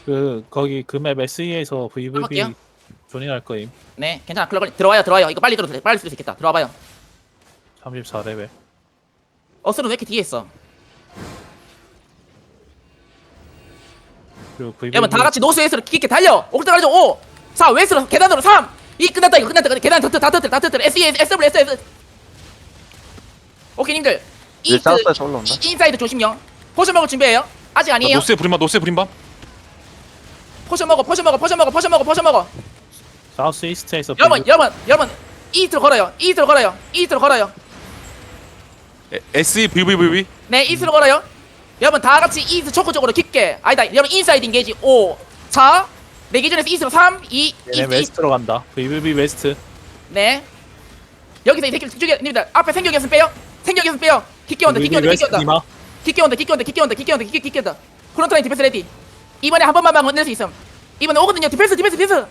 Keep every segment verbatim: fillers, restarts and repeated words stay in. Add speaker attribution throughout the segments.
Speaker 1: 그 거기 그 맵 에스이에서 브이브이비
Speaker 2: 해볼게요.
Speaker 1: 존이할 거임.
Speaker 2: 네, 괜찮아. 클럽 들어와요, 들어와요. 이거 빨리 들어도 돼. 빨리 쓸 수 있겠다. 들어와봐요.
Speaker 1: 삼십사 레벨.
Speaker 2: 어스는 왜 이렇게 뒤에 있어?
Speaker 1: 그리고 브이브이비
Speaker 2: 여러분 다 같이 노스웨스트로 깊게 달려. 옥상 가죠. 오, 사, 웨스트로 계단으로 삼, 이 끝났다. 이거 끝났다. 계단 다 다 터뜨려, 다 터뜨려. 에스 이, 에스 더블유, 에스 에스. 오케이, 님들.
Speaker 3: 이제
Speaker 2: 이스트,
Speaker 3: 사우스에서 올라온다.
Speaker 2: 이- 인사이드 조심요. 포션 먹을 준비해요. 아직 아니에요.
Speaker 4: 노스의 브림밤 노스의 브림밤
Speaker 2: 포션 먹어, 포션 먹어, 포션 먹어, 포션 먹어, 포션 먹어.
Speaker 1: 사우스 이스트에서
Speaker 2: 여러분, 여러분, 여러분. 이스트로 걸어요. 이스트로 걸어요. 이스트로 걸어요.
Speaker 4: 에스이 브이브이브이
Speaker 2: 네, 이스트로 걸어요. 여러분 다 같이 이스트 초코 쪽으로 깊게. 아니다. 여러분 인사이드 인게이지. 오, 사. 내 기준에서 이스트로 삼, 이,
Speaker 1: 얘네
Speaker 2: 이스트, 이스트.
Speaker 1: 웨스트로 간다. 브이브이비 웨스트.
Speaker 2: 네. 여기서 이 새끼를 죽여. 님들 앞에 생격이 없으면 빼요. 생격이 없으면 빼요. 깊게 온다. 깊게
Speaker 1: 브이브이비
Speaker 2: 온다. 깊게
Speaker 1: 웨스트
Speaker 2: 온다.
Speaker 1: 니마.
Speaker 2: 깊게 온다. 깊게 온다. 깊게 온다. 깊게 온다. 깊게 깊게 온다. 프론트라인 디펜스 레디. 이번에 한 번만 건낼 수 있음. 이번에 오거든요. 디펜스 디펜스 디펜스.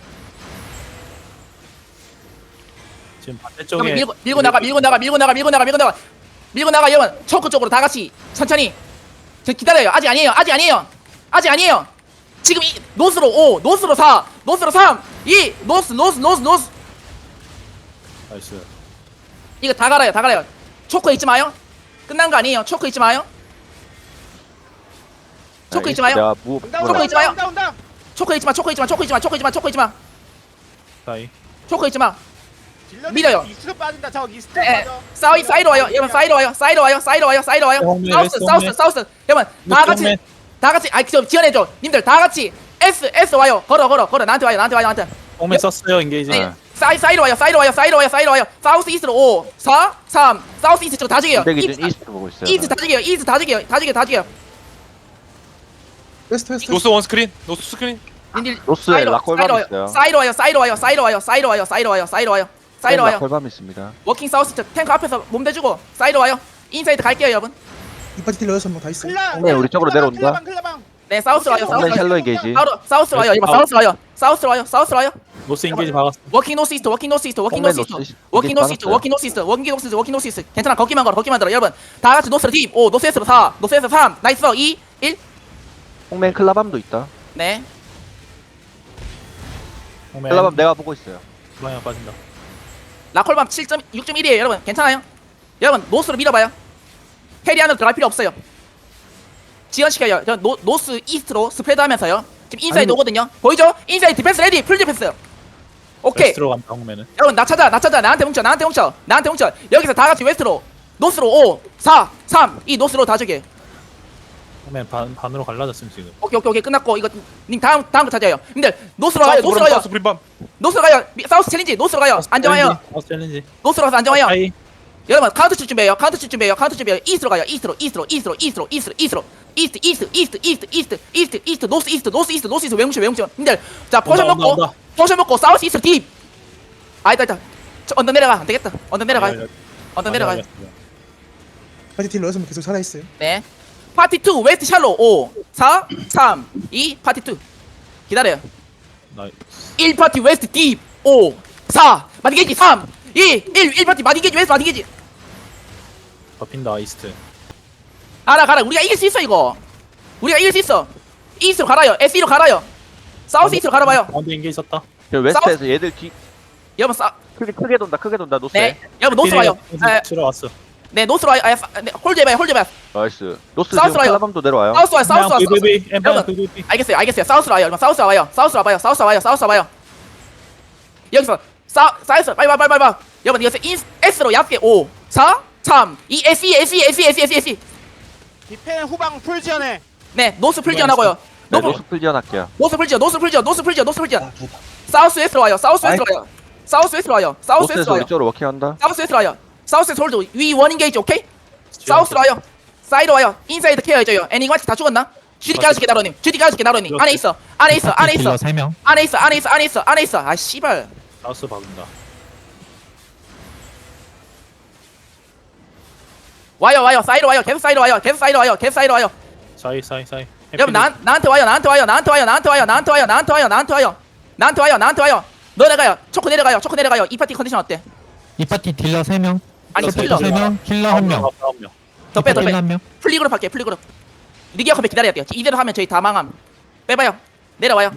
Speaker 1: 지금
Speaker 2: 그럼
Speaker 1: 반대쪽에
Speaker 2: 밀고 밀고 나가. 밀고 나가. 밀고 나가. 밀고 나가. 밀고 나가. 밀고 나가. 여러분 초크 쪽으로 다 같이 천천히. 저 기다려요. 아직 아니에요. 아직 아니에요. 아직 아니에요. 지금 이 노스로 오, 노스로 사, 노스로 삼, 이, 노스 노스 노스 노스.
Speaker 1: 나이스.
Speaker 2: 이거 다 갈아요. 다 갈아요. 초크 잊지 마요. 끝난 거 아니에요. 초크 잊지 마요. 초크 잊지 마요.
Speaker 3: 내가 무
Speaker 2: 초코
Speaker 3: 뭐라
Speaker 2: 있지 마요.
Speaker 5: 온다 온다.
Speaker 2: 초크 잊지 마. 초크 잊지 마. 초크 잊지 마. 초크 잊지 마. 초크 잊지 마.
Speaker 1: 사이.
Speaker 2: 초크 잊지 마.
Speaker 5: 딜러들
Speaker 2: 밀어요.
Speaker 5: 이스트 빠진다. 저 이스트
Speaker 2: 에,
Speaker 5: 빠져.
Speaker 2: 사이 사이로 와요. 여러분 사이로 와요. 사이로 와요. 사이로 와요. 사이로 와요.
Speaker 1: 홈맨,
Speaker 2: 사우스
Speaker 1: 웨스트
Speaker 2: 사우스
Speaker 1: 홈맨.
Speaker 2: 사우스. 여러분 다 같이
Speaker 1: 홈맨.
Speaker 2: 다 같이 아이 좀 지원해 줘. 님들 다 같이 S S 와요. 걸어 걸어 걸어. 나한테 와요. 나한테 와요. 나한테.
Speaker 1: 홈에 썼어요 인게이지.
Speaker 2: 네. 사이 사이로 와요. 사이로 와요. 사이로 와요. 사이로 와요. 사우스 이스트로 오, 사, 삼. 사우스 이스트 쪽다 죽여요.
Speaker 3: 근데 기준
Speaker 2: 이스트
Speaker 3: 이스트 보고 있어요.
Speaker 2: 이스트 다 죽여요. 이스트 다 죽여요. 다 죽여. 다 죽여.
Speaker 6: 웨스트 웨스트
Speaker 4: 노스 원 스크린 노스 스크린
Speaker 2: 님들
Speaker 3: 노스에
Speaker 2: 사이로,
Speaker 3: 라콜밤
Speaker 2: 사이로
Speaker 3: 있어요.
Speaker 2: 와요. 사이로 와요. 사이로 와요. 사이로 와요. 사이로 와요. 사이로 와요. 사이로 와요. 사이로 와요.
Speaker 3: 콜밤 있습니다.
Speaker 2: 워킹 사우스 쪽 탱크 앞에서 몸 대주고 사이로 와요. 인사이드 갈게요, 여러분.
Speaker 6: 이 파티 딜러 여섯 명 다 있어.
Speaker 5: 클라.
Speaker 3: 네, 우리 쪽으로
Speaker 5: 클라방,
Speaker 3: 내려온다.
Speaker 5: 클라방, 클라방.
Speaker 2: 네, 사우스 와요. 사우스
Speaker 3: 홈맨
Speaker 2: 와요.
Speaker 3: 샬로 인게이지.
Speaker 2: 사우스 사우스 와요. 이번 사우스 와요. 사우스 와요. 사우스 와요.
Speaker 1: 노스 인게이지 박았어.
Speaker 2: 워킹 노스 이스트. 워킹 노스 이스트. 워킹
Speaker 3: 홈맨
Speaker 2: 노스 이스트.
Speaker 3: 노스 이스트.
Speaker 2: 워킹 노스 이스트.
Speaker 3: 받았어요.
Speaker 2: 워킹 노스 이스트. 워킹 노스 이스트. 워킹 노스 이스트. 괜찮아. 걷기만 걸어. 걷기만 들어. 여러분. 다 같이 노스로 딥. 오, 노스 에스로 사. 노스 에스 삼. 나이스. 이, 일.
Speaker 3: 홍맨 클라밤도 있다.
Speaker 2: 네.
Speaker 1: 홈에
Speaker 3: 클라밤 내가 보고 있어요.
Speaker 1: 방향 빠진다.
Speaker 2: 라콜밤 칠 점 육 점 일이에요, 여러분. 괜찮아요? 여러분, 노스로 밀어봐요. 캐리 안으로 들어갈 필요 없어요. 지연시켜요. 저 노, 노스 이스트로 스프레드 하면서요. 지금 인사이드
Speaker 6: 아니,
Speaker 2: 오거든요. 보이죠? 인사이드 디펜스 레디. 풀 디펜스. 오케이.
Speaker 1: 웨스트로 간다 홈에는.
Speaker 2: 여러분 나 찾아 나 찾아 나한테 뭉쳐 나한테 뭉쳐 나한테 뭉쳐 여기서 다 같이 웨스트로 노스로 오, 사, 삼, 이 노스로 다 저기.
Speaker 1: 홈에 반 반으로 갈라졌음 지금.
Speaker 2: 오케이 오케이 오케이 끝났고 이거 님 다음 다음 거 찾아요. 님들 노스로 가요.
Speaker 4: 사우스
Speaker 2: 노스로
Speaker 4: 브림
Speaker 2: 가요.
Speaker 4: 사우스 브림밤
Speaker 2: 노스로 가요. 미- 사우스 챌린지 노스로 가요. 안정해요.
Speaker 1: 사우스 챌린지.
Speaker 2: 노스로 가서 안정해요.
Speaker 1: 사이.
Speaker 2: 여러분 카운트 칠 준비해요. 카운트 칠 준비해요. 카운트 준비해요. 이스트로 가요. 이스트로 이스트로 이스트로 이스트로 이스트로 이스트로 이스트 이스트 이스트 이스트 이스트 이스트 이스트 노스 이스트 노스 이스트 노스 이스트 외뭉쳐 외뭉쳐. 님들 자 포션
Speaker 1: 온다,
Speaker 2: 먹고
Speaker 1: 온다,
Speaker 2: 포션 먹고 사우스 이스트 딥. 아니다 아니다. 저 언더 내려가 안 되겠다. 언더 내려가요. 언더 내려가요.
Speaker 6: 파티 딜러 여섯 명 계속 살아 있어요.
Speaker 2: 네. 파티 투 웨스트 샬로 오, 사, 삼, 이 파티 투. 기다려요.
Speaker 1: 나이스.
Speaker 2: 일 파티 웨스트 딥 오, 사, 마디게이지 삼, 이, 일, 일 파티 마디게이지 웨스트 마디게이지.
Speaker 1: 덮인다 이스트.
Speaker 2: 알아 가라. 우리가 이길 수 있어 이거. 우리가 이길 수 있어. 이스트로 갈아요. 에스이로 갈아요. 사우스 이스트로 갈아봐요.
Speaker 1: 가운데 인게이지 썼다.
Speaker 3: 저 웨스트에서 얘들 뒤
Speaker 2: 여러분 사
Speaker 3: 크게 크게 돈다. 크게 돈다. 노스에.
Speaker 2: 네. 여러분 노스 와요. 에,
Speaker 1: 치러 왔어.
Speaker 2: 네, 노스로 와요. 아, 네, 홀드 해봐요. 홀드 해봐요.
Speaker 3: 나이스. 노스
Speaker 2: 사우스
Speaker 3: 지금
Speaker 2: 와요.
Speaker 3: 클라밤도 내려와요.
Speaker 2: 사우스 와요. 사우스 와요. 사우스.
Speaker 1: 브이브이비 엠파
Speaker 2: 여러분.
Speaker 1: 브이브이비.
Speaker 2: 알겠어요. 알겠어요. 사우스로 와요. 여러분 사우스 와요. 사우스 와봐요. 사우스 와봐요. 사우스 와봐요. 여기서 사 사우스 빨리 빨리 빨리 빨리. 여러분 이것을 인 S로 얕게 오, 사, 삼, 이 에스이 에스이 에스이 에스이 에스이 에스이.
Speaker 5: 디펜 후방 풀 지원해.
Speaker 2: 네, 노스 풀지어나고요.
Speaker 3: 네,
Speaker 2: 노스
Speaker 3: 노스 풀 지원할게요.
Speaker 2: 노스 풀지어. 노스 풀지어. 노스 풀지어. 노스 풀지어. 사우스 웨스트로 와요. 사우스 웨스트로 와요. 사우스 웨스트로 와요. 사우스 웨스트로
Speaker 3: 노스에서
Speaker 2: 와요.
Speaker 3: 우리 쪽으로 워킹한다.
Speaker 2: 사우스 웨스트로 와요. 사우스 웨스트 홀드 위 원 인게이지 오케이? 사우스로 와요. 사이드 와요. 인사이드 케어 해줘요. 애니가 다 죽었나? 주디 까줄게 나로님. 주디 까줄게 나로님. 안에 있어. 안에 있어. 안에 있어.
Speaker 7: 세 명.
Speaker 2: 안에 있어. 안에 있어. 안에 있어. 안에 있어. 아 씨발.
Speaker 1: 사우스 박는다.
Speaker 2: 와요 와요. 사이드 와요. 계속 사이드 와요. 계속 사이드 와요. 계속 사이드 와요.
Speaker 1: 사이 사이 사이.
Speaker 2: 여러분 나 나한테 와요. 나한테 와요. 나한테 와요. 나한테 와요. 나한테 와요. 나한테 와요. 나한테 와요. 나한테 와요. 나한테 와요. 내려가요. 초코 내려가요. 초코 내려가요. 이 파티 컨디션 어때?
Speaker 7: 이 파티 딜러 세 명.
Speaker 2: 아니
Speaker 1: 딜러
Speaker 2: 킬러.
Speaker 7: 세 명. 킬러 한 명.
Speaker 1: 아홉 명.
Speaker 2: 더 빼, 더
Speaker 7: 킬러
Speaker 2: 빼.
Speaker 7: 한 명.
Speaker 2: 플리그룹 할게. 플리그룹. 리기어 컴백 기다려야 돼요. 이대로 하면 저희 다 망함. 빼봐요. 내려와요.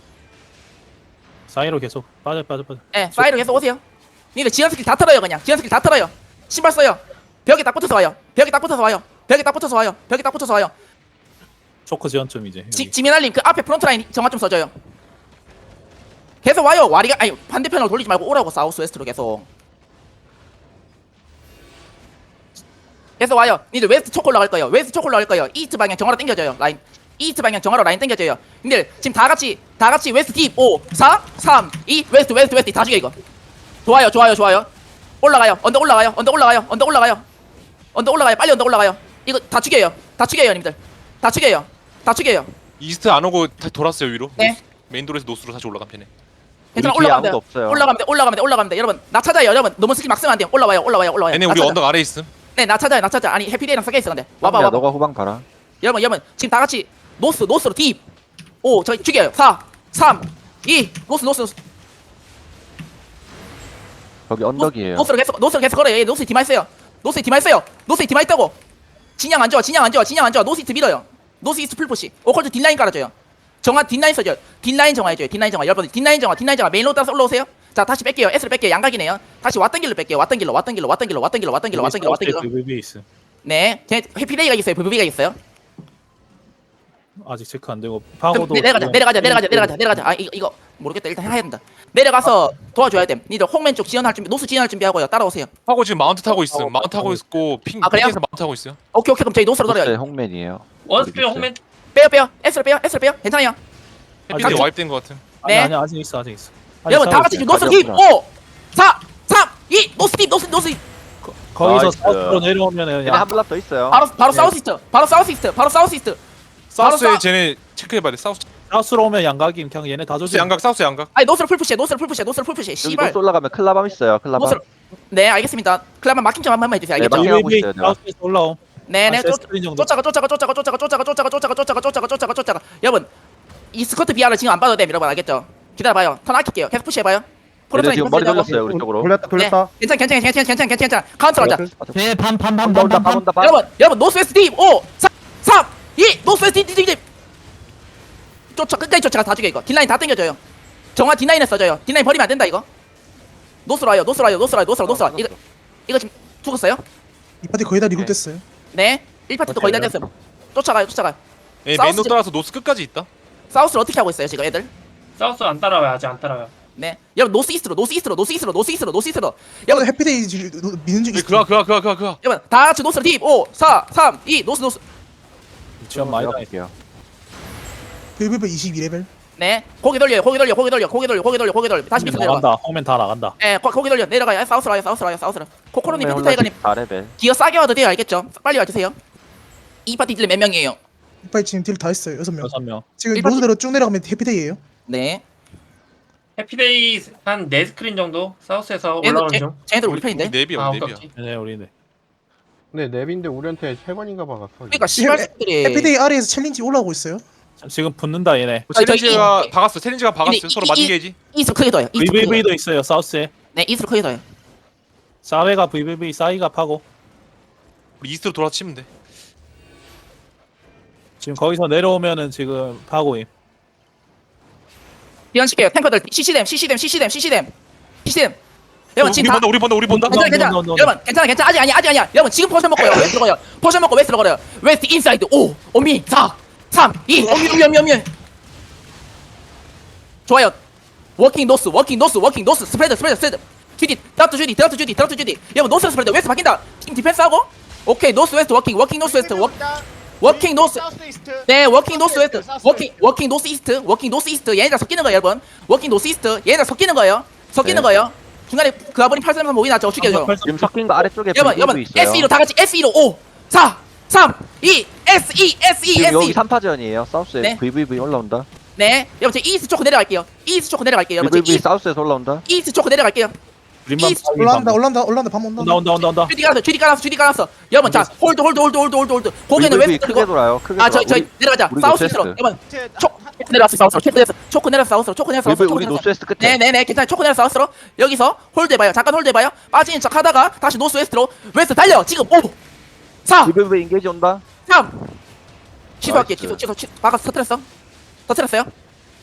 Speaker 1: 사이로 계속 빠져 빠져 빠져.
Speaker 2: 예, 사이로 계속 오세요. 니들 지연 스킬 다 털어요 그냥. 지연 스킬 다 털어요. 신발 써요. 벽에 딱 붙어서 와요. 벽에 딱 붙어서 와요. 벽에 딱 붙어서 와요. 벽에 딱 붙어서 와요.
Speaker 1: 초크 지원점 이제. 여기.
Speaker 2: 지, 지민알님 그 앞에 프론트 라인 정화 좀 써줘요. 계속 와요. 와리가 아니 반대편으로 돌리지 말고 오라고 사우스 웨스트로 계속. 계속 와요. 니들 웨스트 초코 올라갈 거예요. 웨스트 초코 올라갈 거예요. 이스트 방향 정화로 당겨줘요. 라인. 이스트 방향 정화로 라인 당겨줘요. 니들 지금 다 같이 다 같이 웨스트 딥 오, 사, 삼, 이 웨스트 웨스트 웨스트 다 죽여 이거. 좋아요, 좋아요, 좋아요. 올라가요. 언덕 올라가요. 언덕 올라가요. 언덕 올라가요. 언덕 올라가요. 빨리 언덕 올라가요. 이거 다 죽여요. 다 죽여요, 님들. 다 죽여요. 다 죽여요.
Speaker 4: 이스트 안 오고 다 돌았어요 위로.
Speaker 2: 네.
Speaker 4: 노스- 메인 도로에서 노스로 다시 올라간 편에.
Speaker 2: 괜찮아.
Speaker 3: 우리 뒤에
Speaker 2: 올라가면 돼요.
Speaker 3: 아무도 없어요.
Speaker 2: 올라가면 돼. 올라가면 돼. 올라가면 돼. 여러분, 나 찾아요. 여러분, 너무 스킬 막 쓰면 안 돼요. 올라와요. 올라와요. 올라와요.
Speaker 4: 얘네
Speaker 2: 나
Speaker 4: 우리
Speaker 2: 찾아.
Speaker 4: 언덕 아래 있음.
Speaker 2: 네, 나 찾아요. 나 찾아. 아니 해피데이랑 섞여 있어 근데. 와봐,
Speaker 3: 야
Speaker 2: 와봐.
Speaker 3: 너가 후방 봐라.
Speaker 2: 여러분, 여러분, 지금 다 같이 노스, 노스로 딥. 오, 저기 죽여요. 사, 삼, 이, 노스, 노스, 노스.
Speaker 3: 거기 언덕이에요.
Speaker 2: 노스로 계속, 노스로 계속 걸어요. 얘 노스에 디마 있어요. 노스에 디마 있어요. 노스에 디마 있다고. 진양 안 좋아. 진양 안 좋아. 진양 안 좋아. 노스 이스트 밀어요. 노스 이스트 풀푸시. 오컬트 뒷라인 깔아줘요. 정화 뒷라인 써줘요. 뒷라인 정화해줘요. 뒷라인 정화. 여러분, 뒷라인 정화, 뒷라인 정화. 메인 로드 따라서 올라오세요. 자, 다시 뺄게요. S를 뺄게요. 양각이네요. 다시 왔던 길로 뺄게요. 왔던 길로, 왔던 길로, 왔던 길로, 왔던 길로, 왔던 길로, 왔던 길로, 왔던 길로.
Speaker 1: 브이브이 있음.
Speaker 2: 네, 쟤 해피데이가 있어요. 브이브이가 있어요.
Speaker 1: 아직 체크 안 되고
Speaker 2: 그럼
Speaker 1: 파고도.
Speaker 2: 내, 내려가자, 내려가자, 내려가자, 내려가자, 내려가자. 아, 이거, 이거 모르겠다. 일단 해야 된다. 내려가서 도와줘야 돼. 니들 홍맨 쪽 지원할 준비, 노스 지원할 준비하고요. 따라오세요.
Speaker 4: 하고 지금 마운트 타고 있음.
Speaker 1: 어,
Speaker 4: 마운트 타고
Speaker 1: 어.
Speaker 4: 있고 핑
Speaker 2: 아, 그래요?
Speaker 4: 핑에서 마운트 타고 있어요.
Speaker 2: 오케이, 오케이. 그럼 저희 노스로
Speaker 3: 노스의
Speaker 2: 돌아요.
Speaker 3: 홍맨이에요.
Speaker 8: 원스피어 홍맨
Speaker 2: 빼요, 빼요. S를 빼요, S를 빼요. 괜찮아요.
Speaker 4: 해피데이
Speaker 2: 같이-
Speaker 4: 와이프된 것 같은.
Speaker 1: 아니
Speaker 2: 네.
Speaker 1: 아니 아직 있어 아직 있어. 아직
Speaker 2: 여러분, 다
Speaker 1: 싸우고
Speaker 2: 같이
Speaker 1: 있어요.
Speaker 2: 지금 노스로 딥.
Speaker 3: 가져오구나.
Speaker 2: 오, 사, 삼, 이, 노스 딥, 노스, 노스 딥.
Speaker 1: 거기서
Speaker 3: 나이스.
Speaker 1: 사우스로 내려오면은
Speaker 3: 얘네
Speaker 1: 야
Speaker 3: 한 블랍 더 있어요.
Speaker 2: 바로, 바로
Speaker 1: 네.
Speaker 2: 사우스 이스트. 바로 사우스 이스트. 바로 사우스 이스트. 바로
Speaker 4: 사우스에
Speaker 2: 싸-
Speaker 4: 쟤네 체크해봐야 돼. 사우스.
Speaker 1: 사우스로 오면 양각임 그냥 얘네 다
Speaker 4: 사우스
Speaker 1: 조지.
Speaker 4: 양각 사우스 양각.
Speaker 2: 아니, 노스로 풀푸시해, 노스로 풀푸시해, 노스로 풀푸시해.
Speaker 3: 여기
Speaker 2: 씨발.
Speaker 3: 노스 올라가면 클라밤 있어요. 클라밤.
Speaker 2: 노스로. 네, 알겠습니다. 클라만 마킹 좀 한번 해주세요.
Speaker 3: 네,
Speaker 2: 알겠죠?
Speaker 3: 마킹. 하고 있어요, 내가.
Speaker 1: 사우스에서 올라옴.
Speaker 2: 네네.
Speaker 1: 한
Speaker 2: 쫓-
Speaker 1: 세스크린 정도.
Speaker 2: 쫓아가 쫓아가 쫓아가 쫓아가 쫓아가 쫓아가 쫓아가 쫓아가 쫓아가 쫓아가 쫓아가 여러분 이 스커트 비아를 지금 안 봐도 돼 여러분 알겠죠? 기다려봐요. 턴 아낄게요. 계속 푸시해봐요.
Speaker 3: 얘네 지금 머리
Speaker 2: 풀어서
Speaker 3: 돌렸어요 우리 쪽으로.
Speaker 5: 돌렸다 돌렸다.
Speaker 2: 네, 괜찮아 괜찮아 괜찮아 괜찮아 괜찮아 괜찮아 카운터 하자.
Speaker 7: 네, 반, 반, 반,
Speaker 3: 온다
Speaker 7: 반,
Speaker 3: 온다
Speaker 7: 반,
Speaker 3: 반
Speaker 7: 반.
Speaker 3: 온다 반.
Speaker 2: 여러분 여러분 노스웨스트 딥 오, 사, 삼, 이 노스웨스트 딥, 딥, 딥. 쫓아 끝까지 쫓아가 다 죽여 이거. 뒷라인 다 당겨줘요. 정화 뒷라인에 써줘요. 뒷라인 버리면 안 된다 이거. 노스로 와요. 노스로 와요. 노스로 와요. 노스로 노스로. 이거 이거 지금 죽었어요?
Speaker 6: 이 파티 거의 다 리그됐어요.
Speaker 2: 네. 일 파티도 거의 다 됐어요. 쫓아가요. 쫓아가요.
Speaker 4: 예,
Speaker 2: 사우스
Speaker 4: 메인 로
Speaker 2: 지-
Speaker 4: 따라서 노스 끝까지 있다.
Speaker 2: 사우스를 어떻게 하고 있어요 지금 애들?
Speaker 8: 사우스 안 따라와요 아직 안 따라와요.
Speaker 2: 네. 여러분 노스 이스트로 노스 이스트로 노스 이스트로 노스 이스트로 노스 이스트로.
Speaker 6: 여러분
Speaker 2: 여러분
Speaker 6: 해피데이 지- 노- 미는 중
Speaker 4: 예,
Speaker 6: 있어요.
Speaker 4: 그가 그가 그가 그가 그가.
Speaker 2: 여러분 다 같이 노스로 딥 오, 사, 삼, 이 노스 노스.
Speaker 1: 지원 많이 당했어.
Speaker 3: 볼게요.
Speaker 6: 브이브이 이십이 레벨.
Speaker 2: 네. 고개 돌려요. 고개 돌려. 고개 돌려. 고개 돌려. 고개 돌려. 고개 돌려. 다시 밑으로 내려가.
Speaker 1: 나간다. 홍면 다 나간다.
Speaker 2: 네. 고, 고개 돌려. 내려가요. 사우스로 와요. 사우스로 와요. 사우스로. 코코로님 피트 타이거님
Speaker 3: 사 레벨.
Speaker 2: 기어 싸게 와도 돼요. 알겠죠? 빨리 와주세요. 이 파티 딜몇 명이에요?
Speaker 6: 이 파티 지금 딜 다 했어요. 여섯 명.
Speaker 1: 여섯 명.
Speaker 6: 지금
Speaker 2: 일 파티-
Speaker 6: 노스대로 쭉 내려가면 해피데이예요.
Speaker 2: 네.
Speaker 8: 해피데이 한 네 스크린 정도 사우스에서
Speaker 2: 얘들
Speaker 8: 올라오는
Speaker 2: 쟤-
Speaker 8: 중.
Speaker 2: 쟤네들 우리 편인데.
Speaker 4: 네비야
Speaker 8: 아
Speaker 4: 네비야.
Speaker 8: 오케이.
Speaker 1: 네 우리네.
Speaker 5: 네 랩인데 우리한테 세 번인가 박았어.
Speaker 2: 그러니까 씨발
Speaker 6: 해-
Speaker 2: 새끼들이.
Speaker 6: 해피데이 아래에서 챌린지 올라오고 있어요.
Speaker 1: 지금 붙는다 얘네.
Speaker 2: 아, 저기
Speaker 4: 챌린지가
Speaker 2: 이-
Speaker 4: 박았어. 챌린지가 박았어요.
Speaker 2: 이-
Speaker 4: 서로
Speaker 2: 이-
Speaker 4: 맞은
Speaker 2: 이-
Speaker 4: 게지.
Speaker 2: 이스로 크게 더요. 이스로 크게 더요.
Speaker 1: 브이브이도 있어요 사우스에.
Speaker 2: 네. 이스로 크게 더요.
Speaker 1: 사회가 브이브이 사이가 파고.
Speaker 4: 우리 이스트로 돌아치면 돼.
Speaker 1: 지금 거기서 내려오면은 지금 파고임.
Speaker 2: 비현시켜요. 탱커들 씨씨댐 씨씨댐 씨씨댐 씨씨댐 씨씨댐. 여러분
Speaker 4: 우리
Speaker 2: 지금 다
Speaker 4: 본다 우리 본다 우리 본다.
Speaker 2: 괜찮아 괜찮아.
Speaker 1: no, no, no, no.
Speaker 2: 여러분 괜찮아 괜찮아. 아직 아니야 아직 아니야. 여러분 지금 포션 먹고요. 웨스트로 가요. 포션 먹고 웨스트로 걸어요. 웨스트 인사이드 오, 오미, 사, 삼, 이, 오미 오미 오미 오미. 좋아요. 워킹 노스 워킹 노스 워킹 노스 스프레드 스프레드 스프레드. 주디 드랍트 주디 드랍트 주디 드랍트 주디. 여러분 노스 스프레드 웨스트 바뀐다. 팀 디펜스 하고. 오케이 노스 웨스트 워킹 워킹 노스 웨스트 워, 워킹 노스. 네, 워킹 노스 웨스트. 워킹 워킹 노스 이스트. 워킹 노스 이스트. 얘네들 섞이는 거예요, 여러분. 워킹 노스 이스트. 얘네들 섞이는 거예요. 섞이는
Speaker 3: 네.
Speaker 2: 거예요. 중간에 그 아버님 팔삼삼 모이나 저거 죽여줘.
Speaker 3: 지금 섞인 거 아래쪽에
Speaker 2: 여러분,
Speaker 3: 브이브이
Speaker 2: 여러분.
Speaker 3: 있어요.
Speaker 2: 에스이로 다 같이 에스이로 오, 사, 삼, 이, 에스이, 에스이,
Speaker 3: 지금 여기
Speaker 2: 에스이.
Speaker 3: 삼 파전이에요. 사우스에
Speaker 2: 네.
Speaker 3: 브이브이 올라온다.
Speaker 2: 네. 여러분, 저 이스트 초코 내려갈게요. 이스트 초코 내려갈게요. 여러분, 저
Speaker 3: 브이브이
Speaker 2: 이,
Speaker 3: 사우스에서 올라온다.
Speaker 2: 이스트 초코 내려갈게요.
Speaker 1: 림만
Speaker 2: 이스트
Speaker 6: 올라온다 올라온다 올라온다 밤 온다.
Speaker 1: 온다 온다 온다 온다.
Speaker 2: 주디 깔았어, 주디 깔았어, 주디 깔았어. 여러분, 자, 홀드, 홀드, 홀드, 홀드, 홀드, 홀드. 고개는
Speaker 3: 브이브이
Speaker 2: 웨스트
Speaker 3: 크게
Speaker 2: 그리고.
Speaker 3: 돌아요. 크게
Speaker 2: 아,
Speaker 3: 돌아.
Speaker 2: 저희, 저희 내려가자.
Speaker 3: 우리
Speaker 2: 사우스
Speaker 3: 노스웨스트.
Speaker 2: 이스트로. 여러분, 초코 내려왔어, 사우스로. 초코 내려왔어. 초코 내려왔어, 사우스로. 초코 내려왔어,
Speaker 3: 브이브이
Speaker 2: 사우스로.
Speaker 3: 우리
Speaker 2: 초코 내려왔어.
Speaker 3: 노스웨스트 끝에.
Speaker 2: 네네네 괜찮아. 초코 내려 사우스로. 여기서 홀드 해봐요. 잠깐 홀드 해봐요. 빠지는 척 하다가 다시 노스 웨스트로. 웨스트 달려. 지금 오, 사,
Speaker 3: 브이브이 인게이지 온다.
Speaker 2: 삼. 취소할게.
Speaker 3: 나이스.
Speaker 2: 취소 취소 취소. 막아서 터뜨렸어. 터뜨렸어요.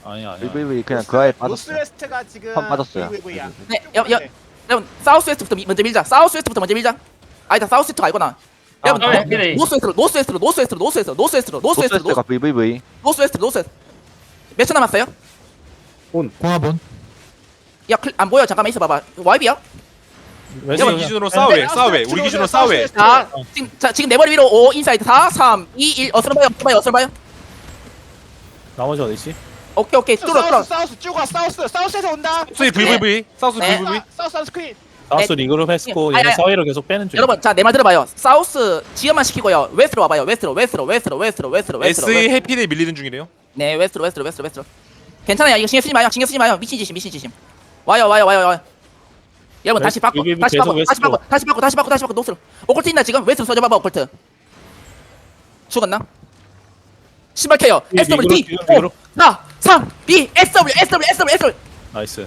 Speaker 1: 아니 아니.
Speaker 3: 브이브이 그냥 그 아예 빠졌어요.
Speaker 9: 노스웨스트가 지금
Speaker 3: 한 빠졌어요.
Speaker 9: 브이브이야.
Speaker 2: 네, 여, 여, 여러분 사우스 웨스트부터 미- 먼저 밀자. 사우스 웨스트부터 먼저 밀자. 아니다, 사우스 웨스트 알거나. 여러분
Speaker 8: 아,
Speaker 2: 노-
Speaker 8: 해피데이.
Speaker 2: 노스 웨스트로, 노스 웨스트로, 노스 웨스트로, 노스 웨스트로, 노스 웨스트로, 노스 웨스트로,
Speaker 3: 노스웨스트가 브이브이.
Speaker 2: 노스 웨스트, 노스 웨스트. 몇 초 남았어요?
Speaker 7: 공화본.
Speaker 2: 야, 클, 안 보여. 잠깐만 있어봐봐. 와이비야?
Speaker 1: 웨스트
Speaker 4: 우리 기준으로 싸우해 싸우해 우리 기준으로 싸우해.
Speaker 2: 자, 지금, 자, 지금 내 머리 위로 오, 인사이드 사, 삼, 이, 일. 어스로 봐요, 어스로 봐요, 어스로 봐요.
Speaker 1: 나머지 어디 있지?
Speaker 2: 오케이, 오케이. 뚫어, 뚫어.
Speaker 9: 사우스 사우스 쭉 와. 사우스 사우스에서 온다.
Speaker 4: 사우스 브이브이 사우스
Speaker 2: 네.
Speaker 4: 브이브이.
Speaker 9: 사우스 사우스 스크린.
Speaker 1: 사우스 리그룹 했고
Speaker 2: 아니,
Speaker 1: 얘네
Speaker 2: 아니.
Speaker 1: 사회로 계속 빼는 중.
Speaker 2: 여러분, 자, 내 말 들어봐요. 사우스 지연만 시키고요. 웨스트로 와봐요. 웨스트로, 웨스트로, 웨스트로, 웨스트로, 웨스트로, 웨스트로.
Speaker 4: 에스이
Speaker 2: 웨스트로.
Speaker 4: 해피데이 밀리는 중이래요.
Speaker 2: 네, 웨스트로, 웨스트로, 웨스트로, 웨스트로. 괜찮아요. 이거 신경 쓰지 마요. 신경 쓰지 마요. 미친 짓임, 미친 짓임. 와요, 와요, 와요, 와요. 여러분 다시 바꿔,
Speaker 1: 웨스트,
Speaker 2: 다시
Speaker 1: 계속
Speaker 2: 바꿔, 다시
Speaker 1: 웨스트로.
Speaker 2: 바꿔, 다시 바꿔, 다시 바꿔, 다시 바꿔. 노스로. 오컬트 있나 지금? 웨스트로 써줘봐봐, 오컬트. 죽었나? 신발 케어.
Speaker 1: 이
Speaker 2: 에스 더블유
Speaker 1: 리그룹,
Speaker 2: D
Speaker 1: 지금 리그룹.
Speaker 2: 오, 사, 삼, 이, 에스 더블유, 에스 더블유, 에스 더블유, 에스 더블유.
Speaker 1: 나이스.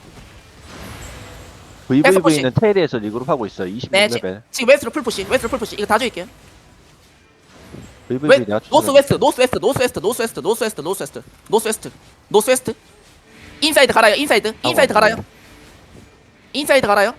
Speaker 3: 브이브이는 테일에서 리그룹 하고 있어요. 이십육
Speaker 2: 네,
Speaker 3: 레벨.
Speaker 2: 지, 지금 웨스트로 풀푸시, 웨스트로 풀푸시. 이거 다 줄게요.
Speaker 3: 브이브이
Speaker 2: 웨,
Speaker 3: 내가
Speaker 2: 노스 웨스트, 노스 웨스트, 노스 웨스트, 노스 웨스트, 노스 웨스트, 노스 웨스트, 노스 웨스트, 노스 웨스트. 인사이드 갈아요, 인사이드, 인사이드 갈아요. 인사이드 갈아요.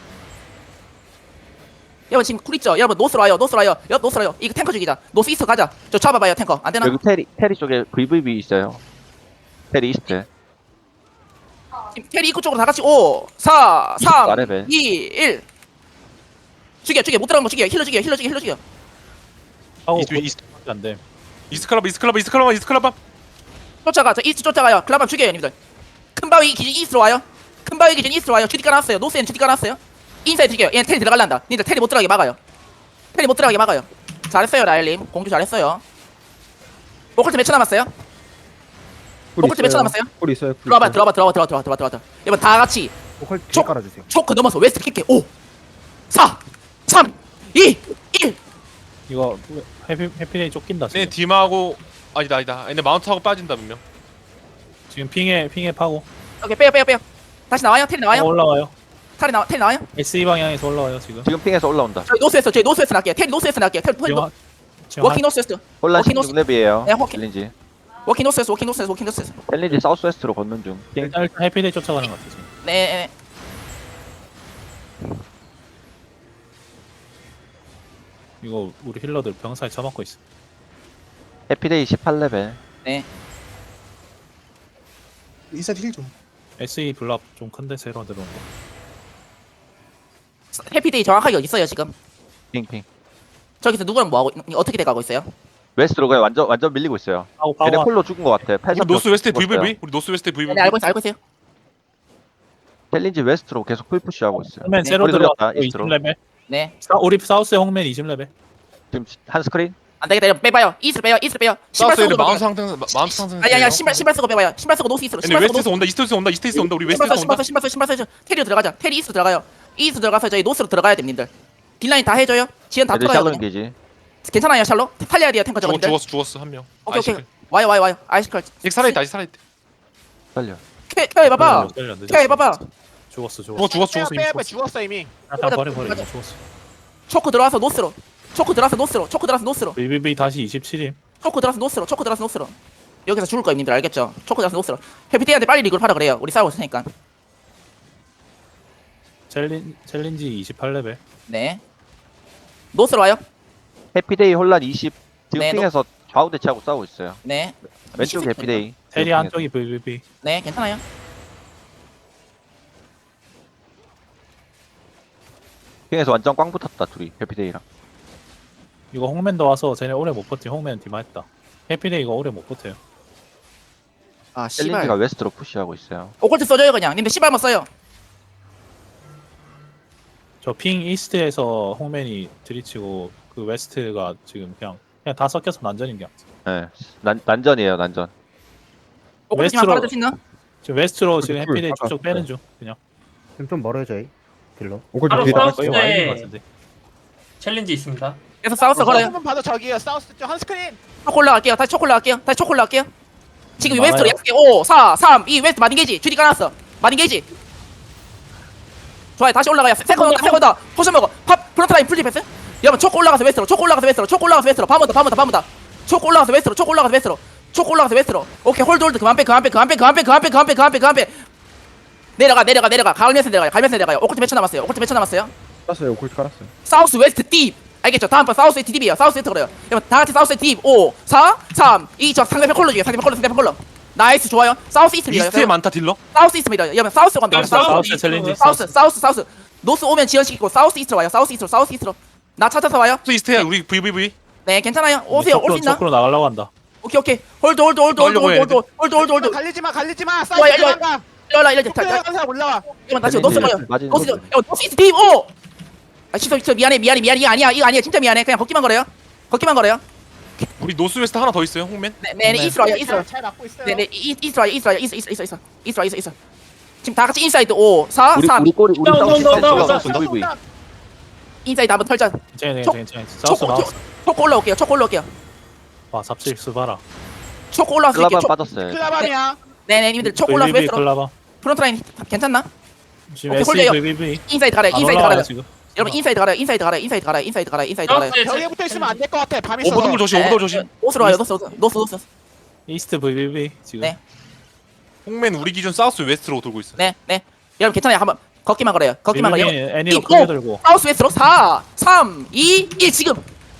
Speaker 2: 여러분 지금 쿨 있죠? 여러분 노스로 와요, 노스로 와요, 여 노스로 와요. 이거 탱커 죽이자. 노스 이스트 가자. 저 잡아봐요, 탱커. 안 되나?
Speaker 3: 여기 테리 테리 쪽에 브이브이 있어요. 테리 이스트.
Speaker 2: 지금 캐리 입구 쪽으로 다 같이 오, 사, 삼,
Speaker 3: 이십사 레벨.
Speaker 2: 이, 일. 죽여, 죽여. 못 들어간 거 죽여. 힐러 죽여, 힐러 죽여, 힐러 죽여.
Speaker 1: 하고
Speaker 4: 이스트 이스트
Speaker 1: 안 돼.
Speaker 4: 이스트 클럽 이스트 클럽 이스트 클럽 이스트 클럽.
Speaker 2: 쫓아가, 저 이스트 쫓아가요. 클라밤 죽여요, 님들. 큰 바위 기준 이스트로 와요. 큰 바위 기준 이스트로 와요. 주디 깔아놨어요. 노스엔 주디 깔아놨어요. 인사이드 죽여요. 얘는 테리 들어갈란다. 님들 테리 못 들어가게 막아요. 테리 못 들어가게 막아요. 잘했어요, 라일님. 공주 잘했어요. 오컬트 몇 초 남았어요? 오컬트 몇 초 남았어요?
Speaker 5: 꿀 있어요.
Speaker 2: 들어와봐, 들어와봐, 들어와봐, 들어와, 들어와, 들어와, 들어와. 여러분 다 같이
Speaker 5: 오컬
Speaker 2: 쪽.
Speaker 5: 깔아주세요.
Speaker 2: 초크 넘어서 웨스트 킬게. 오, 사, 삼, 이, 일.
Speaker 1: 이거 해피 해피데이 쫓긴다
Speaker 4: 네
Speaker 1: 지금.
Speaker 4: 디마하고 아니다 아니다. 얘네 마운트하고 빠진다 분명.
Speaker 1: 지금 핑에 핑에 파고.
Speaker 2: 오케이, 빼요, 빼요, 빼요. 다시 나와요. 테리
Speaker 1: 어,
Speaker 2: 나와요.
Speaker 1: 올라와요.
Speaker 2: 테리 나와, 테리 나와요.
Speaker 1: 에스이 방향에서 올라와요 지금.
Speaker 3: 지금 핑에서 올라온다.
Speaker 2: 저희 노스웨스트, 저희 노스웨스트 날게요. 테리 노스웨스트 날게요. 테리
Speaker 1: 지금
Speaker 2: 노-
Speaker 1: 하- 지금
Speaker 2: 워킹 노스웨스트.
Speaker 3: 혼란
Speaker 2: 워킹
Speaker 3: 십육 렙이에요.
Speaker 2: 네, 워킹.
Speaker 3: 챌린지.
Speaker 2: 워킹 노스웨스트, 워킹 노스웨스트, 워킹 노스웨스트.
Speaker 3: 챌린지 사우스웨스트로 걷는 중. 핑.
Speaker 1: 일단 일단 해피데이 쫓아가는 것 같아 지금.
Speaker 2: 네, 네.
Speaker 1: 이거 우리 힐러들 병사에 처먹고 있어.
Speaker 3: 해피데이 십팔 레벨.
Speaker 2: 네.
Speaker 6: 인사이드 힐 좀.
Speaker 1: 에스이 블랍 좀 큰데 새로 들어온 거.
Speaker 2: 해피데이 정확하게 어디 있어요 지금?
Speaker 3: 핑핑.
Speaker 2: 저기서 누구랑 뭐 하고 어떻게 돼가고 있어요?
Speaker 3: 웨스트로 그냥 완전 완전 밀리고 있어요.
Speaker 1: 파고
Speaker 3: 얘네
Speaker 1: 파고.
Speaker 3: 콜로 죽은 것 같아.
Speaker 4: 우리
Speaker 3: 팔십삼
Speaker 4: 노스 웨스트
Speaker 3: 죽었어요.
Speaker 4: 브이브이. 우리 노스 웨스트 브이브이.
Speaker 2: 네, 알고 있어요, 알고 있어요.
Speaker 3: 챌린지 웨스트로 계속 풀푸시 하고 있어요.
Speaker 1: 홍맨
Speaker 2: 네,
Speaker 1: 새로
Speaker 3: 우리
Speaker 1: 들어왔다.
Speaker 3: 돌렸다,
Speaker 1: 이십
Speaker 3: 이스트로.
Speaker 1: 레벨.
Speaker 2: 네.
Speaker 1: 사, 우리 사우스의 홍맨 이십 레벨.
Speaker 3: 지금 한 스크린.
Speaker 2: 안 되겠다. 이러면 빼봐요. 이스트 빼요, 이스트 빼요. 신발
Speaker 4: 사우스 얘네
Speaker 2: 쓰고
Speaker 4: 마운트
Speaker 2: 빼봐요.
Speaker 4: 상승 마운트 상승.
Speaker 2: 아니, 아니, 아니, 신발, 신발 쓰고 빼봐요. 신발 쓰고 노스 이스트로.
Speaker 4: 얘네
Speaker 2: 신발 쓰고
Speaker 4: 웨스트에서 온다 이스트에서 온다 이스트에서 온다 우리 웨스트에서
Speaker 2: 신발 써,
Speaker 4: 온다.
Speaker 2: 신발 써, 신발 써, 신발 써. 테리로 들어가자. 테리 이스트 들어가요. 이스트 들어가서 저희 노스로 들어가야 됩니다. 딜라인 다 해줘요. 지연 다
Speaker 3: 애들
Speaker 2: 뚫어요.
Speaker 3: 샬롯
Speaker 2: 그냥.
Speaker 3: 게지.
Speaker 2: 괜찮아요, 샬로? 팔려야 돼요, 탱커
Speaker 4: 죽었
Speaker 2: 저분들.
Speaker 4: 죽었어 죽었어 한 명.
Speaker 2: 오케이, 오케이.
Speaker 4: 아이시클.
Speaker 2: 와요, 와요, 와요. 아이스컬.
Speaker 4: 아직 살아있다 아직 살아있다.
Speaker 3: 살려.
Speaker 2: 케, 케어 해봐봐.
Speaker 1: 때려, 늦었어.
Speaker 2: 케어 해봐봐.
Speaker 1: 죽었어
Speaker 4: 죽었어
Speaker 1: 죽었어.
Speaker 4: 죽었어 죽었어 이미
Speaker 9: 빼, 빼,
Speaker 4: 죽었어.
Speaker 9: 죽었어 이미.
Speaker 1: 아, 다 버려 버려 이거 죽었어.
Speaker 2: 초크 들어와서 노스로. 초크 들어와서 노스로. 초크 들어와서 노스로.
Speaker 1: 비비비 다시 이십칠임.
Speaker 2: 초크 들어와서 노스로. 초크 들어와서 노스로. 여기서 죽을 거예요, 님들 알겠죠? 초크 들어와서 노스로. 해피데이한테 빨리 리그를 하라 그래요. 우리 싸우고 있으니까.
Speaker 1: 챌린 챌린지 이십팔 레벨.
Speaker 2: 네. 노스로 와요.
Speaker 3: 해피데이 혼란 이십. 지금
Speaker 2: 네,
Speaker 3: 핑에서 좌우 대치하고 싸우고 있어요.
Speaker 2: 네.
Speaker 3: 왼쪽 해피데이.
Speaker 1: 테리
Speaker 3: 지금
Speaker 1: 한쪽이 비비비.
Speaker 2: 네, 괜찮아요.
Speaker 3: 핑에서 완전 꽝 붙었다 둘이 해피데이랑.
Speaker 1: 이거 홍맨도 와서 쟤네 오래 못 버티. 홍맨 디마했다. 해피데이 이거 오래 못 버텨요.
Speaker 2: 아,
Speaker 3: 챌린지가
Speaker 2: 씨발.
Speaker 3: 웨스트로 푸시하고 있어요.
Speaker 2: 오컬트 써줘요, 그냥. 님들 씨발만 써요.
Speaker 1: 저 핑 이스트에서 홍맨이 들이치고 그 웨스트가 지금 그냥 그냥 다 섞여서 난전인 게 같아.
Speaker 3: 네. 난 난전이에요 난전.
Speaker 2: 오컬트만
Speaker 1: 웨스트로-
Speaker 2: 받아줄 수 있나?
Speaker 1: 지금 웨스트로 지금
Speaker 5: 쿨,
Speaker 1: 해피데이
Speaker 5: 아까
Speaker 1: 쭉쭉 빼는 중. 그냥
Speaker 5: 지금 좀 멀어요 저희. 딜러. 오컬
Speaker 8: 바로
Speaker 5: 뒤에
Speaker 8: 사우스.
Speaker 1: 거의
Speaker 8: 네.
Speaker 1: 와 있는 것 같은데.
Speaker 8: 챌린지 있습니다.
Speaker 2: 계속 싸웠어, 걸어요.
Speaker 9: 한번 봐도 저기요. 사우스 쪽 한 스크린.
Speaker 2: 초코 올라갈게요. 다시 초코 올라갈게요. 다시 초코 올라갈게요. 지금
Speaker 1: 음,
Speaker 2: 웨스트로
Speaker 1: 많아요.
Speaker 2: 약속해. 오, 사, 삼, 이, 웨스트 마딘 게이지. 주디 까놨어. 마딘 게이지. 좋아요. 다시 올라가요. 세컨드 온다, 세컨드 온다. 포션 먹어. 팝, 프론트 라인 풀리 패스. 여러분, 초코 올라가서 웨스트로. 초코 올라가서 웨스트로. 초코 올라가서 웨스트로. 밤온다, 밤온다, 밤온다. 초코 올라가서 웨스트로. 초코 올라가서 웨스트로. 초코 올라가서 웨스트로. 오케이 홀드 홀드 그만 빼 그만 빼 그만 빼 그만 빼 그만 빼 그만 빼 그만 빼 그만 빼. 내려가 내려가 내려가 가을면서 내려가요. 가을면서 내려가요. 오컬트 몇 초 남았어요. 오컬트 몇 초 남았어요.
Speaker 5: 깔았어요. 오컬트 깔았어요.
Speaker 2: 사우스 웨스트 딥. 알겠죠? 다음 번 사우스 웨스트 딥이에요. 사우스 웨스트 그래요. 여러분 다 같이 사우스 웨스트 딥. 오, 사, 삼, 이. 저 상대편 콜러 중에 상대편 콜러 상대편 콜러. 나이스 좋아요. 사우스 이스트 밀어요.
Speaker 4: 이스트에 많다 딜러.
Speaker 2: 사우스 이스트 밀어요. 여러분 사우스 간다. 사우스
Speaker 1: 사우스 챌린지.
Speaker 2: 사우스 사우스 사우스. 노스 오면 지연시키고 사우스 이스트로 와요. 사우스 이스트로 사우스 이스트로. 나 찾아서 와요.
Speaker 4: 또 이스트야 우리 브이브이브이.
Speaker 2: 네 괜찮아요. 오세요. 올 수 있나?
Speaker 1: 초크로 나가려고 한다.
Speaker 2: 오케이 오케이. 홀드 홀드 홀드 홀드 홀드 홀드 홀드 홀드 홀드.
Speaker 9: 갈리지 마, 갈리지 마.
Speaker 2: 와, 야,
Speaker 9: 사우스
Speaker 2: 야.
Speaker 9: 들어간다.
Speaker 2: 일어나 일어나.
Speaker 9: 폭탄 한 사람 올라와.
Speaker 2: 이건 다시 노스 가요.
Speaker 3: 맞은
Speaker 2: 노스 야 노스 이스트 딥. 오. 아 시소 시소 미안해 미안해 미안해. 이거 아니야 이거 아니야 진짜 미안해. 그냥 걷기만 걸어요. 걷기만 걸어요.
Speaker 4: 우리 노스웨스트 하나 더 있어요 홍맨.
Speaker 2: 네네 이스트로 와요. 이스트로.
Speaker 9: 잘, 잘 막고 있어요.
Speaker 2: 네네 이스트로 와요. 이스트로 와요. 이스트 이스트 이스트 이스트 이스트로 이스트 이스트. 지금 다 같이 인사이드 오, 사,
Speaker 3: 우리
Speaker 2: 삼.
Speaker 3: 우리 꼬리 우리
Speaker 8: 온다,
Speaker 3: 사우스
Speaker 8: 온다, 온다, 온다,
Speaker 3: 사우스 브이브이.
Speaker 2: 인사이드 한번 털자.
Speaker 1: 괜찮아
Speaker 2: 초-
Speaker 1: 괜찮아 괜찮아. 사우스
Speaker 2: 초코
Speaker 1: 나왔어.
Speaker 2: 초- 초코 올라올게요. 초코 올라올게요.
Speaker 1: 와 잡실수 봐라.
Speaker 2: 초코 올라왔을 게
Speaker 3: 클라반
Speaker 2: 초.
Speaker 3: 빠졌어요.
Speaker 9: 클라반이야.
Speaker 2: 네네 님들 초코 올라와서
Speaker 1: 브이브이브이
Speaker 2: 웨스트로.
Speaker 1: 클라바.
Speaker 2: 프론트 라인 괜찮나?
Speaker 1: 지금
Speaker 2: 오케이,
Speaker 1: 에스이
Speaker 2: 홀려요.
Speaker 1: 브이브이브이.
Speaker 2: 인사이드 가래요.
Speaker 1: 안
Speaker 2: 인사이드
Speaker 1: 올라와요
Speaker 2: 가래요.
Speaker 1: 지금.
Speaker 2: 여러분 인사이드 가래요. 인사이드 가래요. 인사이드 가래요. 인사이드 가래요. 인사이드 가래요. 인사이드 가래요.
Speaker 9: 벽에 붙어 있으면 안 될 것 같아. 밤이 있어서.
Speaker 4: 오버돌 조심
Speaker 2: 네,
Speaker 4: 오버돌 조심.
Speaker 2: 노스로 와요. 노스 노스 노스 노스.
Speaker 1: 이스트 브이브이브이 지금.
Speaker 2: 네.
Speaker 4: 홍맨 우리 기준 사우스 웨스트로 돌고 있어.
Speaker 2: 네, 네. 여러분 괜찮아요. 한번 걷기만 걸어요. 걷기만 걸어요.
Speaker 1: 브이브이브이 애니로
Speaker 2: 이,
Speaker 1: 크게
Speaker 2: 오.
Speaker 1: 들고.
Speaker 2: 사우스 웨스트로 사, 삼, 이, 일 지금.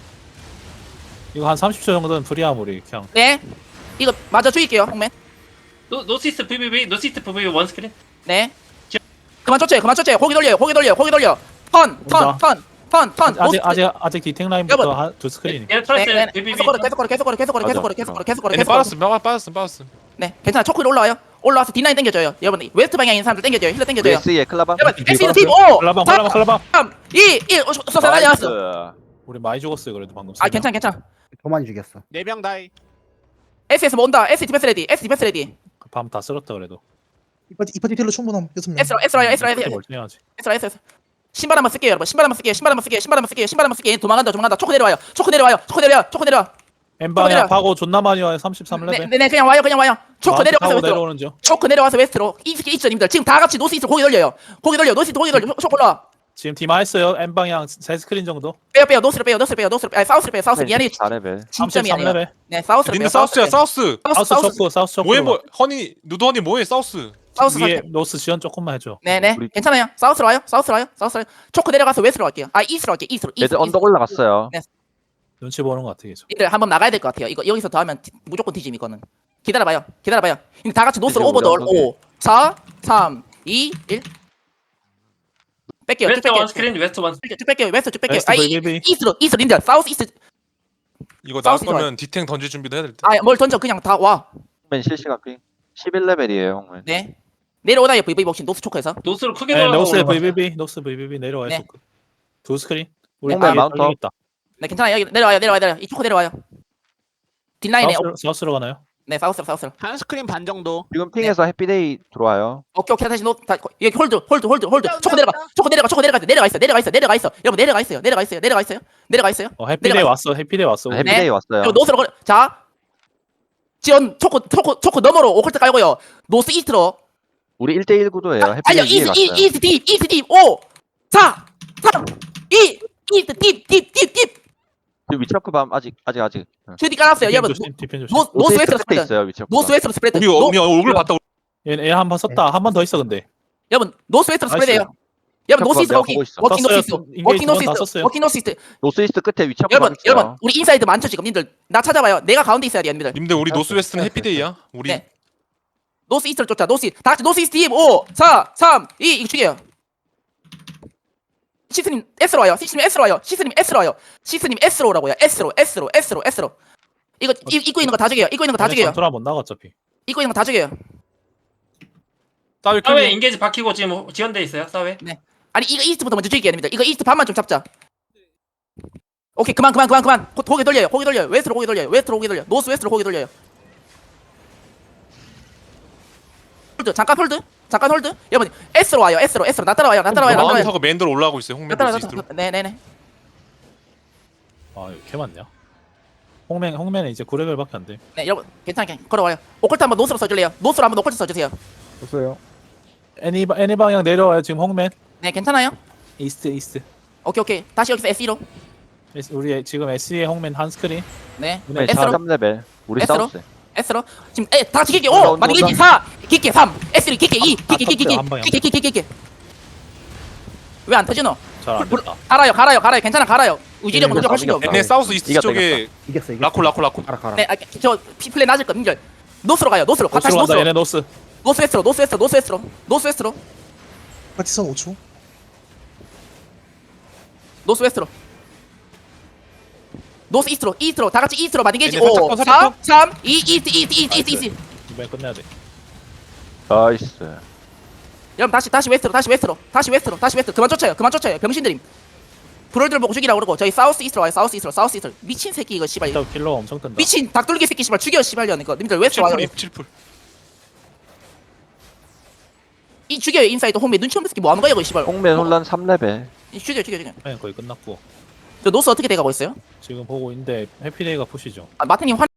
Speaker 1: 이거 한 삼십 초 정도는 프리함 우리 그냥.
Speaker 2: 네. 이거 맞아 죽일게요, 홍맨.
Speaker 8: 노 노시스트 브이브이브이 노시스트 브이브이브이 원 스크린.
Speaker 2: 네. 그만 쫓아요. 그만 쫓아요. 고기 돌려요. 고기 돌려요. 고기 돌려. 턴, 턴,
Speaker 1: 온다.
Speaker 2: 턴, 턴, 턴.
Speaker 1: 아직
Speaker 2: 노스-
Speaker 1: 아직 아직 디텍 라인부터
Speaker 2: 여러분.
Speaker 1: 한 두 스크린.
Speaker 8: 얘
Speaker 2: 네,
Speaker 8: 트라이스
Speaker 2: 네, 네.
Speaker 8: 브이브이브이.
Speaker 2: 계속 걸어, 계속 걸어, 계속 걸어, 계속 걸어, 계속 걸어,
Speaker 3: 맞아.
Speaker 2: 계속 걸어, 계속 걸어,
Speaker 4: 얘네
Speaker 2: 계속 걸어.
Speaker 4: 빠졌음 빠- 빠졌음 빠졌음.
Speaker 2: 네, 괜찮아. 초코로 올라와요. 올라와서 디 나인 당겨줘요. 여러분 웨스트 방향에 있는 사람들 당겨줘요. 힐러
Speaker 3: 우리
Speaker 2: 당겨줘요.
Speaker 3: 에스이에 클라반.
Speaker 2: 여러분 엑시드 팀 오,
Speaker 1: 클라방 클라방 클라방.
Speaker 2: 삼, 이, 일. 어, 쏘 날렸어
Speaker 3: 나이스.
Speaker 1: 우리 많이 죽었어요 그래도 방금.
Speaker 2: 아, 괜찮아, 괜찮아.
Speaker 5: 더 많이 죽였어.
Speaker 9: 네명 다이.
Speaker 2: 에스에스 뭐 온다. 에스 디펜스 레디. 에스 디펜스 레디.
Speaker 1: 밤다 쓸었다 그래도.
Speaker 6: 이파티 이파티 딜러 충분함 여섯 명.
Speaker 2: 에스로, 에스로, 에스로, 에스로.
Speaker 1: 멀쩡해야지.
Speaker 2: 에스로, 에스로. 신발 한번 쓸게요, 여러분. 신발 한번 쓸게요. 신발 한번 쓸게요. 신발 한번 쓸게요. 신발 한번 쓸게요. 도망간다, 도망간다. 초코 내려와요. 초코 내려와요. 초코 내려와. 초코 내려와.
Speaker 1: 엠방향 파고 존나 많이 와요. 삼십삼
Speaker 2: 네,
Speaker 1: 레벨.
Speaker 2: 네, 네, 그냥 와요, 그냥 와요. 초코 내려와서
Speaker 1: 타고
Speaker 2: 웨스트로.
Speaker 1: 내려오는 중.
Speaker 2: 초코 내려와서 웨스트로. 이스키 있죠, 님들. 지금 다 같이 노스 이스트 고기 돌려요. 고기 돌려. 노스 이스트 고기 돌려. 초코 올라.
Speaker 1: 지금 디마 했어요. 엠방향 세 스크린 정도.
Speaker 2: 빼요, 빼요. 노스로 빼요. 노스로 빼요. 노스로 빼요. 아니, 사우스로 빼요. 사우스 미안해.
Speaker 3: 사 레벨.
Speaker 2: 진짜
Speaker 1: 삼십삼
Speaker 2: 미안해요.
Speaker 1: 레벨.
Speaker 2: 네, 사우스로
Speaker 4: 니네
Speaker 2: 빼요.
Speaker 4: 사우스야
Speaker 2: 빼요.
Speaker 4: 사우스.
Speaker 2: 사우스,
Speaker 1: 사우스
Speaker 2: 사우스.
Speaker 1: 초코 사우스 초코.
Speaker 4: 뭐해 뭐 허니 누드 허니 뭐해 사우스.
Speaker 2: 사우스
Speaker 1: 위에
Speaker 2: 살게요.
Speaker 1: 노스 지원 조금만 해줘.
Speaker 2: 네네
Speaker 3: 우리-
Speaker 2: 괜찮아요. 사우스로 와요. 사우스로 와요. 사우스로 와요. 초코 내려가서 웨스트로 갈게요. 아 이스트로 갈게요. 이스트로.
Speaker 3: 얘들
Speaker 2: 이스트로,
Speaker 3: 언덕 올라갔어요.
Speaker 1: 눈치 보는 것 같아 계속.
Speaker 2: 이들 한번 나가야 될 것 같아요. 이거 여기서 더 하면 디- 무조건 뒤짐 이거는. 기다려봐요. 기다려봐요. 이제 다 같이 노스로
Speaker 3: 이제
Speaker 2: 오버돌.
Speaker 3: 우리
Speaker 2: 오, 사, 삼, 이, 일. 뺄게요. 쭉
Speaker 8: 웨스트 원
Speaker 2: 뺄게요.
Speaker 8: 스크린 웨스트 원.
Speaker 2: 쭉 뺄게요. 웨스트 쭉 뺄게요.
Speaker 1: 웨스트
Speaker 2: 아 이-
Speaker 1: 브이브이브이.
Speaker 2: 이스트로. 이스트로 린들. 사우스 이스트.
Speaker 4: 이거 나올
Speaker 2: 사우스
Speaker 4: 거면 디탱 던질 준비도 해야 될 듯.
Speaker 2: 아뭘 던져 그냥 다 와.
Speaker 3: 홍맨 실시간 핑. 십일 레벨이에요 홍맨.
Speaker 2: 네. 내려오나요 브이브이 복싱 노스 초코에서.
Speaker 8: 노스로 크게
Speaker 1: 네, 노스
Speaker 8: 돌아가고
Speaker 1: 브이브이브이 노스 브이브이브이 내려와요.
Speaker 2: 네.
Speaker 1: 소크. 두 스크린. 우리
Speaker 3: 홍맨
Speaker 1: 뒤에
Speaker 3: 마운터.
Speaker 1: 떨리고 있다.
Speaker 2: 네 괜찮아요. 여기 내려와요. 내려와요. 내려와요. 이 초코 내려와요. 뒷라인에.
Speaker 1: 사우스로, 사우스로 가나요?
Speaker 2: 네 사우스로 사우스로.
Speaker 9: 한 스크린 반 정도.
Speaker 3: 지금 핑에서 해피데이 들어와요.
Speaker 2: 오케이 오케이 다시 노 다, 여기 홀드 홀드 홀드 홀드 초코 내려가 초코 내려가 초코 내려가 내려가 있어 내려가 있어 내려가 있어 여러분 내려가 있어요 내려가 있어요 내려가 있어요 내려가 있어요
Speaker 1: 어 해피데이
Speaker 2: 내려가-
Speaker 1: 왔어. 해피데이 왔어.
Speaker 3: 해피데이 왔어요.
Speaker 2: 그리고 노스로 걸어 자 지원 초코 초코 초코 너머로 오컬트 깔고요 노스 이스트로
Speaker 3: 우리 일 대일 구도예요.
Speaker 2: 달려
Speaker 3: 해피데이 위에
Speaker 2: 이스
Speaker 3: 갔어요.
Speaker 2: 이 이스트 딥 이스트 딥오 사 삼 이 이스트 딥딥딥딥
Speaker 3: 지금 위쳐크 밤 아직 아직 아직. 응.
Speaker 2: 주디 깔았어요 여러분
Speaker 1: 조심, 디펜 조심.
Speaker 2: 노 노스 웨스트로
Speaker 3: 끝에
Speaker 2: 스프레드
Speaker 3: 있어요 위쳐크.
Speaker 2: 노스 웨스트로 스프레드
Speaker 4: 우리
Speaker 2: 노-
Speaker 4: 우리 얼굴 봤다.
Speaker 1: 얘, 얘 한 번 썼다. 한 번 더 있어 근데.
Speaker 2: 여러분 노스 웨스트로
Speaker 1: 나이스.
Speaker 2: 스프레드예요 여러분 노스 이스트
Speaker 3: 내가
Speaker 2: 워킹
Speaker 3: 보고 있어.
Speaker 2: 워킹 노스
Speaker 1: 썼어요.
Speaker 2: 이스트
Speaker 1: 인게이지
Speaker 2: 워킹 노스
Speaker 1: 두번다
Speaker 2: 이스트
Speaker 1: 썼어요.
Speaker 2: 워킹 노스 이스트
Speaker 3: 노스 이스트 끝에 위쳐크 밤
Speaker 2: 여러분
Speaker 3: 있어요.
Speaker 2: 여러분 우리 인사이드 많죠 지금 님들 나 찾아봐요 내가 가운데 있어야 돼요 님들
Speaker 4: 님들 우리 노스 웨스트는 해피데이야. 우리
Speaker 2: 네. 노스 이스트를 쫓자 노스 이스트 다 같이 노스 이스트 팀 오, 사, 삼, 이 이거 죽여요 시스님 S로 와요 시스님 S로 와요 시스님 S로 와요 시스님 S로 오라고요 S로 S로 S로 S로 이거 이, 입고 있는 거 다 죽여요 입고 있는 거 다 죽여요
Speaker 1: 전투라 못 나가 어차피.
Speaker 2: 입고 있는 거 다 죽여요
Speaker 4: 따위
Speaker 8: 사회
Speaker 4: 클리어.
Speaker 8: 인게이지 박히고 지금 지원돼 있어요. 사회.
Speaker 2: 아니 이거 이스트부터 먼저 죽이게 됩니다 이거 이스트 반만 좀 잡자 오케이 그만 그만 그만 그만 고, 고개 돌려요 고개 돌려요 웨스트로 고개 돌려요 웨스트로 고개 돌려요 노스 웨스트로 고개 돌려요 홀드 잠깐 홀드 잠깐 홀드 여러분 S로 와요 S로 S로 나 따라와요 나 따라와요 나
Speaker 4: 마운트
Speaker 2: 따라와요
Speaker 4: 타고 맨도로 올라가고 있어요.
Speaker 2: 나
Speaker 4: 홍맨
Speaker 2: 따라와요
Speaker 4: 노스
Speaker 2: 나
Speaker 4: 이스트로.
Speaker 2: 따라와요 네네네
Speaker 1: 아 이거 개 많냐? 홍맨 홍맨은 이제 구 레벨밖에 안 돼.
Speaker 2: 네 여러분 괜찮게 걸어와요 오컬트 한번 노스로 써줄래요 노스로 한번 오컬트 써주세요
Speaker 5: 없어요.
Speaker 1: 애니 애니 방향 내려와요 지금 홍맨.
Speaker 2: 네 괜찮아요
Speaker 1: 이스트 이스트.
Speaker 2: 오케이 오케이 다시 여기서 에스이로
Speaker 1: 에스- 우리 지금 에스이의 홍맨 한 스크린.
Speaker 2: 네
Speaker 3: 홍맨
Speaker 2: S로
Speaker 3: 십삼 레벨. 우리
Speaker 2: S로?
Speaker 3: 사우스.
Speaker 2: S로 지금 에, 다 같이 킬게
Speaker 3: 온다,
Speaker 2: 오
Speaker 3: 온다,
Speaker 2: 만약에
Speaker 3: 온다.
Speaker 2: 사 킬게 삼 S 킬게 이
Speaker 1: 아,
Speaker 2: 킬게 킬게
Speaker 1: 터뜨려, 한 방에.
Speaker 2: 킬게 킬게 킬게 왜 안 터지노?
Speaker 1: 잘안 됐다.
Speaker 2: 갈아요 갈아요 갈아요 괜찮아 갈아요 의지력은
Speaker 3: 이겼다,
Speaker 2: 노력할 수가 없어
Speaker 3: 이겼다.
Speaker 4: 얘네 사우스 이스트
Speaker 3: 이겼다,
Speaker 4: 쪽에
Speaker 5: 이겼어 이겼어.
Speaker 4: 라콜 라콜 라콜.
Speaker 5: 가라 가라.
Speaker 2: 네, 아, 저 피플레 낮을 거 민결 노스로 가요 노스로 가 다시
Speaker 1: 노스로 간다.
Speaker 2: 노스로
Speaker 1: 얘네 노스.
Speaker 2: 노스 웨스트로 노스 웨스트로 노스 웨스트로 노스 웨스트로
Speaker 6: 파티선 오 초.
Speaker 2: 노스 웨스트로 노스 이스트로 이스트로 다 같이 이스트로 만개지
Speaker 4: 얘네 살짝
Speaker 2: 오
Speaker 4: 더, 살짝
Speaker 2: 사 삼 이 이스트 이스트 이스트 이스트 이스트
Speaker 1: 이번에 끝내야 돼.
Speaker 3: 나이스.
Speaker 2: 여러분 다시 다시 웨스트로 다시 웨스트로 다시 웨스트로 다시 웨스트로 그만 쫓아요 그만 쫓아요 병신들임 브롤들 보고 죽이라고 그러고 저희 사우스 이스트로 와요 사우스 이스트로 사우스 이스트로 미친 새끼 이거 씨발
Speaker 1: 일단 킬러가 엄청 뜬다.
Speaker 2: 미친 닭돌기 새끼 씨발 죽여 씨발려 이거 님들 웨스트로 와요
Speaker 4: 칠풀 칠풀.
Speaker 2: 이 죽여요 인사이드 홈에 눈치 없는 새끼 뭐 하는 거야 이거 씨발
Speaker 3: 홍맨 혼란 삼 레벨.
Speaker 2: 이 죽여 죽여 죽여
Speaker 1: 네, 거의 끝났고
Speaker 2: 저 노스 어떻게 돼가고 있어요?
Speaker 1: 지금 보고 있는데 해피데이가 푸시죠.
Speaker 2: 아, 마트님 환